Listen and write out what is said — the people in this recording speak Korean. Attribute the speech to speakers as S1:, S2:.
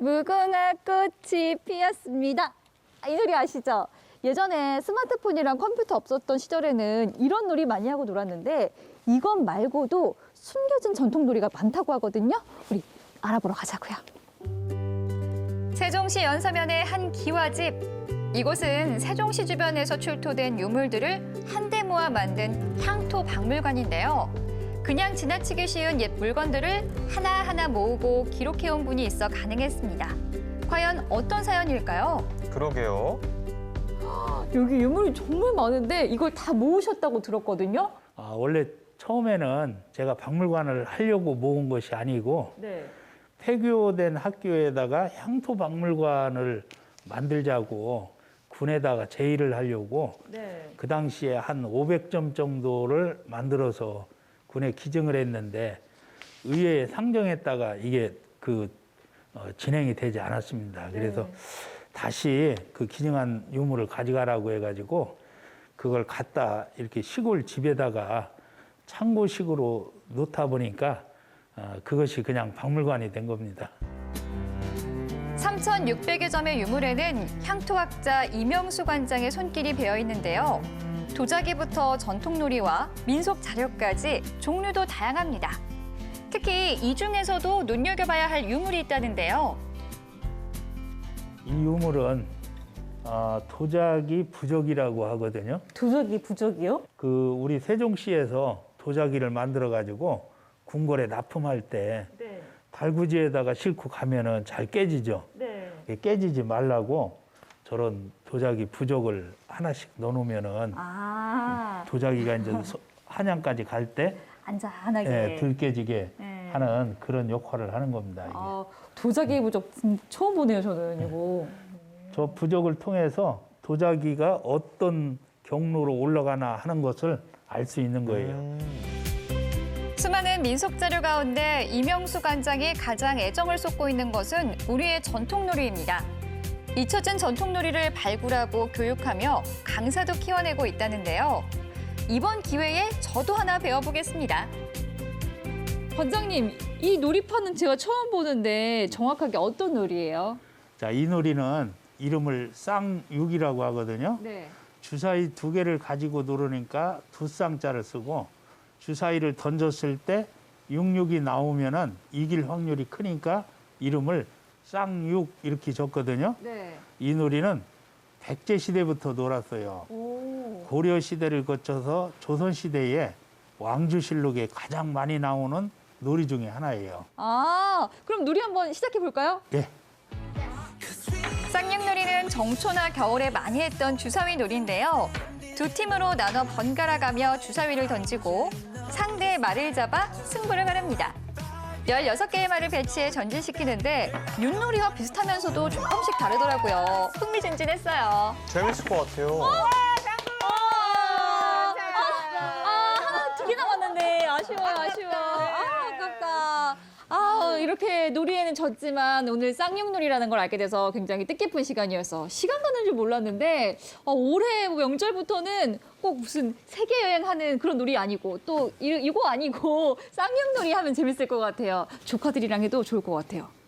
S1: 무궁화 꽃이 피었습니다. 이 노래 아시죠? 예전에 스마트폰이랑 컴퓨터 없었던 시절에는 이런 놀이 많이 하고 놀았는데 이것 말고도 숨겨진 전통놀이가 많다고 하거든요. 우리 알아보러 가자고요.
S2: 세종시 연서면의 한 기와집. 이곳은 세종시 주변에서 출토된 유물들을 한데 모아 만든 향토 박물관인데요. 그냥 지나치기 쉬운 옛 물건들을 하나하나 모으고 기록해온 분이 있어 가능했습니다. 과연 어떤 사연일까요?
S3: 그러게요.
S1: 여기 유물이 정말 많은데 이걸 다 모으셨다고 들었거든요.
S4: 원래 처음에는 제가 박물관을 하려고 모은 것이 아니고
S1: 네.
S4: 폐교된 학교에다가 향토 박물관을 만들자고 군에다가 제의를 하려고
S1: 네.
S4: 그 당시에 한 500점 정도를 만들어서 군에 기증을 했는데 의회에 상정했다가 이게 진행이 되지 않았습니다. 그래서 다시 그 기증한 유물을 가져가라고 해가지고 그걸 갖다 이렇게 시골 집에다가 창고식으로 놓다 보니까 그것이 그냥 박물관이 된 겁니다.
S2: 3,600여 점의 유물에는 향토학자 이명수 관장의 손길이 배어 있는데요. 도자기부터 전통놀이와 민속 자료까지 종류도 다양합니다. 특히 이 중에서도 눈여겨봐야 할 유물이 있다는데요.
S4: 이 유물은 도자기 부적이라고 하거든요.
S1: 도자기 부적이요?
S4: 우리 세종시에서 도자기를 만들어 가지고 궁궐에 납품할 때
S1: 네.
S4: 달구지에다가 싣고 가면은 잘 깨지죠.
S1: 네.
S4: 깨지지 말라고 저런 도자기 부적을 하나씩 넣어놓으면은 도자기가 이제 한양까지 갈 때
S1: 안전하게.
S4: 덜 깨지게
S1: 네.
S4: 하는 그런 역할을 하는 겁니다. 이게.
S1: 도자기 부적 처음 보네요, 저는 이거.
S4: 저 부적을 통해서 도자기가 어떤 경로로 올라가나 하는 것을 알 수 있는 거예요.
S2: 수많은 민속 자료 가운데 이명수 관장이 가장 애정을 쏟고 있는 것은 우리의 전통놀이입니다. 잊혀진 전통놀이를 발굴하고 교육하며 강사도 키워내고 있다는데요. 이번 기회에 저도 하나 배워보겠습니다.
S1: 관장님, 이 놀이판은 제가 처음 보는데 정확하게 어떤 놀이예요?
S4: 자, 이 놀이는 이름을 쌍육이라고 하거든요.
S1: 네.
S4: 주사위 2개를 가지고 노르니까 두 쌍자를 쓰고 주사위를 던졌을 때 66이 나오면은 이길 확률이 크니까 이름을 쌍육 이렇게 줬거든요.
S1: 네.
S4: 이 놀이는 백제 시대부터 놀았어요. 고려 시대를 거쳐서 조선 시대에 왕주실록에 가장 많이 나오는 놀이 중에 하나예요.
S1: 그럼 놀이 한번 시작해 볼까요?
S4: 예.
S2: 쌍육놀이는 정초나 겨울에 많이 했던 주사위 놀이인데요. 두 팀으로 나눠 번갈아 가며 주사위를 던지고 상대의 말을 잡아 승부를 가릅니다. 16개의 말을 배치해 전진시키는데 윷놀이와 비슷하면서도 조금씩 다르더라고요. 흥미진진했어요.
S3: 재밌을 것 같아요.
S1: 하나 2개 남았는데 아쉬워. 아깝다. 이렇게 놀이에는 졌지만 오늘 쌍용놀이라는 걸 알게 돼서 굉장히 뜻깊은 시간이어서 시간 가는 줄 몰랐는데 올해 명절부터는 꼭 무슨 세계 여행하는 그런 놀이 아니고 또 이거 아니고 쌍용놀이 하면 재밌을 것 같아요. 조카들이랑 해도 좋을 것 같아요.